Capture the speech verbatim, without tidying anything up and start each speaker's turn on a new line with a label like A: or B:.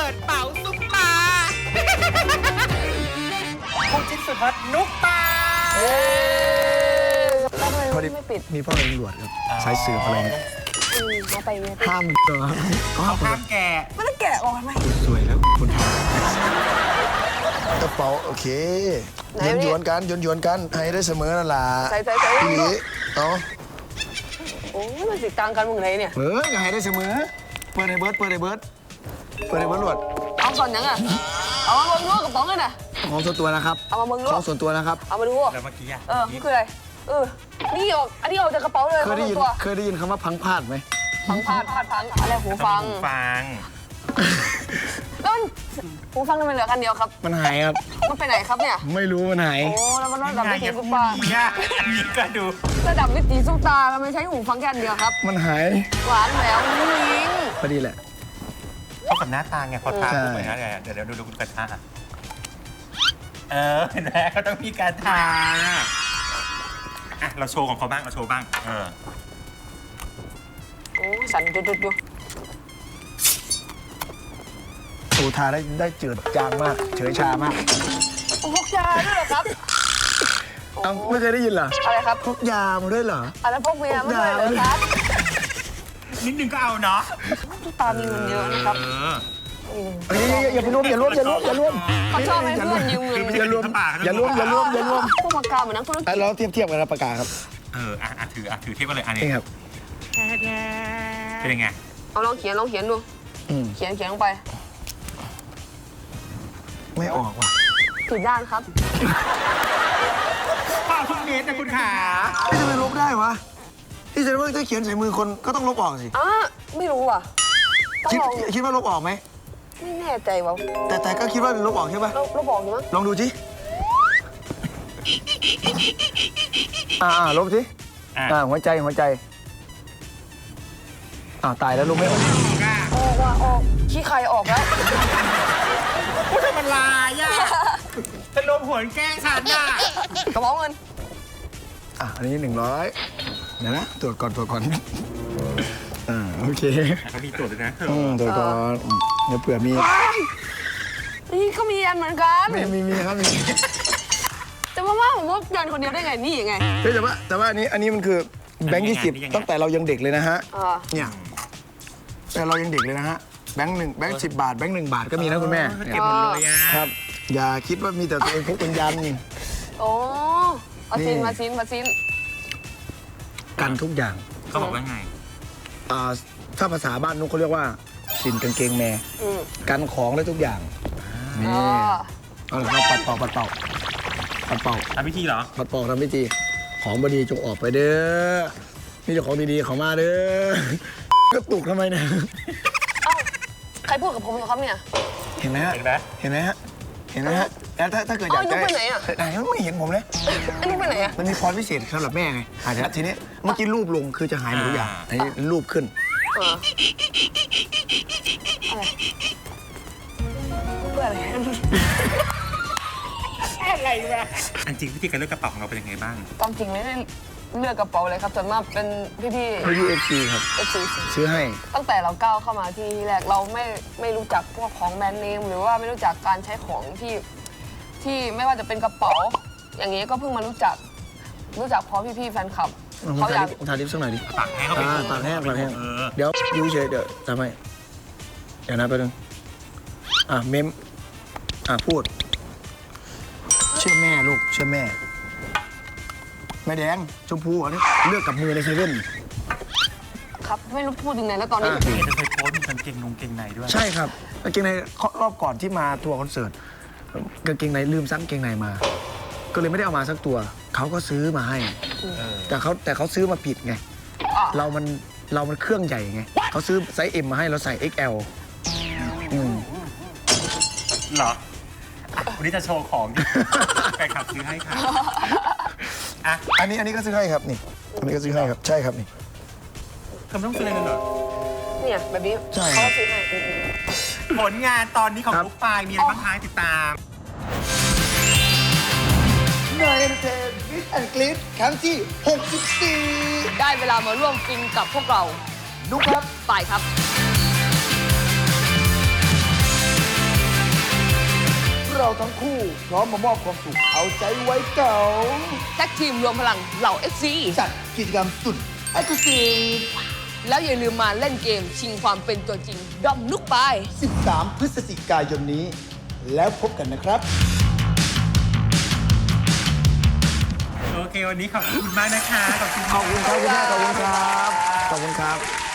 A: ปิดเป๋าซุปตาคู่จิ้นสุดฮอตนุ๊กปา
B: แล้วทำไมไม่ปิด
C: มีพ่อตำรวจครับสายสืบอะไรเนี่ย
B: มาไปเนี่ย
C: ห้ามเหรอ
A: เขาห้ามแกะ
B: ไม่ต้องแกะออกไหม
C: สวยแล้วคุณทำกระเป๋าโอเคหยวนหยวนกันหยวนหยวนกันให้ได้เสมอนั่นล่ะ
B: ใส่ใส่ใส่
C: ทีนี้เนาะ
B: โอ้ยมันสิกลางกันมึงไหนเนี่ย
C: เฮ้ยให้ได้เสมอเปิดในเบิร์ดเปิดในเบิร์ดเปิดในเบิร์ดหลวด
B: เอาก่อนยังอ่ะเอามาเบิ่งดูกระป๋องเลยนะ
C: ของส่วนตัวนะครับ
B: เอามาเบิ่งดู
C: ของส่วนตัวนะครับ
B: เอามาดู
A: แล้วเมื่อกี้อ่ะ
B: เออคืออะไรเออนี่ออกอันนี้ออกจากกระเป๋าเลย
C: เคยได้ยินเคยได้ยินคำว่าพังพาดไหม
B: พังพาดพาดพังอะไรหูฟัง
A: หูฟัง
B: ต้นหูฟังทำไมเหลือกันเดียวครับ
C: มันหายครับ
B: มันไปไหนครับเนี่ย
C: ไม่รู้มันหาย
B: โอ้แล้วมันระดับวิถีซุปตา
A: มีก็ดู
B: ระดับวิถีซุปตามันไม่ใช้หูฟังแค่เดียวครับ
C: มันหาย
B: หวานแล้วลิง
C: พอดีแหละ
A: เข้ากับหน้าตาไงพอทาถูกไหมนะเดี๋ยวเดี๋ยวดูดูกระทาเออเห็นไหมเขาต้องมีการทาอ่ะเราโชว์ของเขาบ้างเราโชว์บ้างเออ
B: โอ้สั่นจุดจุดจุด
C: โอ้ทาได้ได้เจืดจางมากเฉยชามาก
B: พกยาด้วยเหรอครับ
C: เอาไม่เคยได้ยินเหรอ
B: อะไรครับ
C: พกยามาด้วยเหรอ
B: อะไรพกเมียมาด้วยเหรอครับ
A: นิดนึงก็เอาเนาะ
B: ทุกตามีเงินเยอะนะครับ
C: อย่าไปรวมอย่ารวมอย่ารวมอย่ารวม
B: เขาชอบให้เพื่อนยืมเงิน
C: อย่ารวมอย่ารวมอย่ารวมอย่ารวม
B: พวกปากกาเหมือนนักธุรกิจ
C: เราเทียบเทียบกันนะปากกาครับ
A: เอออ่ะถืออ่ะถือเทียบกันเลยอันนี้
C: ครับ
A: เป็นยังไง
B: เอาลองเขียนลองเขียนดูเขียนเขียนลงไป
C: ไม่ออกว่ะ
B: ผิดด้านครับ
A: ข้าวทุกเม็ดนะคุณขา
C: ที่จะไปลบได้วะที่จะว่าถ้าเขียนใส่มือคนก็ต้องลบออกสิ
B: อ่ะไม่รู้อ่ะ
C: คิดคิดว่าลบออกไหม
B: ไม่แน่ใจว่ะ
C: แต่แต่ก็คิดว่าลบออกใช่ป่ะ
B: ลบออกอยู่มั้ง
C: ลองดูสิอ่าลบสิอ่าหัวใจหัวใจอ่าตายแล้วลบไม่ออก
B: ออกว่ะออกขี้ใครออกแล้ว
A: พูดทำมันลายอ่ะจะลมหัวแกล้งฉันอ่ะ
B: กระเป๋าเงิน
C: อ่ะอันนี้หนึ่งร้อยเดี๋ยวนะตรวจก่อนตรวจก่อนอ่าโอเค
A: เขามีตรวจด้วยนะ
C: อืมตรวจก่อนเดี๋ยวเผื่อมี
B: นี่ก็มีอันเหมือนกัน
C: มีมีมีครับมี
B: แต่ว่าว่าผมว่ายันคนเดียวได้ไงนี่ยังไง
C: แต่ว่าแต่ว่าอันนี้อันนี้มันคือแบงค์ยี่สิบตั้งแต่เรายังเด็กเลยนะฮะเนี่ยแต่เรายังเด็กเลยนะฮะแบงค์หนึ่งแบงค์สิบบาทแบงค์หนึ่งบาทก็มีนะคุณแม่
A: เก็บหมดเลย
C: ครับอย่าคิดว่ามีแต่ตัวเองพกเป็นยัน
B: โอ้มาซินมาซินมาซิน
C: กันทุกอย่าง
A: เขาบอกว่าไง
C: อ่าถ้าภาษาบ้านนุ๊กเขาเรียกว่าสินกางเกงแม่กันของได้ทุกอย่างนี่เอาละครับปัดเป่าปัดเป่าปัดเป่า
A: ทำพิธีเหรอ
C: ปัดเป่าทำพิธีของบดีจงออกไปเด้อนี่เจ้าของดีๆของมาเด้อก็ตุกทำไมเนี่ย
B: ใครพูดกับผมเหรอครับเนี่ย
C: เห็นไหมฮะเห็นไหมเห็นไหมฮะเห็นไหมฮะแล้วถ้าถ้าเกิดอยาก
B: จะไปไหนอ่ะ
C: ไหนไม่เห็นผมเลย
B: อันนี้ไปไหนอ่ะ
C: มันมีพรพิเศษสำหรับแม่ไงอาจจะทีนี้เมื่อกี้รูปลงคือจะหายหมดทุกอย่างอันนี้รูปขึ้น
B: เพื่ออะไร
A: อะไรวะอันจริงวิธีการเลือกกระเป๋าของเราเป็นยังไงบ้าง
B: ตามจริงไม่ได้เลือกกระเป๋าเลยครับส่วนมากเป็นพี่พี่
C: พี่เอฟซีครับ
B: เอฟซี
C: ซื้อให้
B: ตั้งแต่เราก้าวเข้ามาที่แรกเราไม่ไม่รู้จักพวกของแบรนด์เนมหรือว่าไม่รู้จักการใช้ของที่ที่ไม่ว่าจะเป็นกระเป๋าอย่างนี้ก็เพิ่งมารู้จักรู้จักเพราะพี่ๆแฟนคลับ
C: เขาอยากทาลิปสักหน่อยดิ
A: ปากแห้งเขาไป
C: ปากแห้งปากแห้งเดี๋ยวยูเฉยเดี๋ยวทำไมเดี๋ยวนะไปหนึ่งอ่ะเมมอ่ะพูดเชื่อแม่ลูกเชื่อแม่แม่แดงชมพูอันนี้เลือกกับมือในเซเว่น
B: ครับไม่รู้พูดยังไงแล้วตอนนี้
A: เห็นจะเคยโพสต์มีกางเกงนงเกงในด้วย
C: ใช่ครับกางเกงในรอบก่อนที่มาทัวร์คอนเสิร์ตกางเกงในลืมซักกางเกงในมาก็เลยไม่ได้เอามาสักตัวเขาก็ซื้อมาให้แต่เขาแต่เขาซื้อมาผิดไงเรามันเรามันเครื่องใหญ่ไงเขาซื้อไซส์ เอ็ม มาให้เราใส่ เอ็กซ์ แอล อืม
A: เหรอวันนี้จะโชว์ของแฟนคลับซื้อให้ค่ะ
C: อ่ะอันนี้อันนี้ก็ซื้อให้ครับนี่อันนี้ก็ซื้อให้ครับใช่ครับนี่
A: คำต้องซื้ออะไรกันเหรอ
B: เนี่ยแบบนี้เขาซื้อให้
A: ผลงานตอนนี้ของลูกปลายมีอะไรบ้างคะติดตาม
C: นายเอ็นเตอร์มิสแอนด์กลิสครั้งที่หกสิบสี่
B: ได้เวลามาร่วมฟินกับพวกเรา
C: นุ๊กครับ
B: ไปครับ
D: ทั้งคู่พร้อมมามอบความสุขเอาใจไว้เก่า
B: แท็กทีมรวมพลังเหล่า เอฟ ซี
D: จัดกิจกรรมสุดเอ็กซ์คลูซีฟ
B: แล้วอย่าลืมมาเล่นเกมชิงความเป็นตัวจริงด้อมนุกปาย
D: สิบสาม พฤศจิกายนนี้ แล้วพบกันนะครับ
A: โอเค วันนี้ขอบคุณมากนะคะ ขอบคุณ
C: ขอบคุณครับคุณแม่ขอบคุณครับ ขอบคุณครับ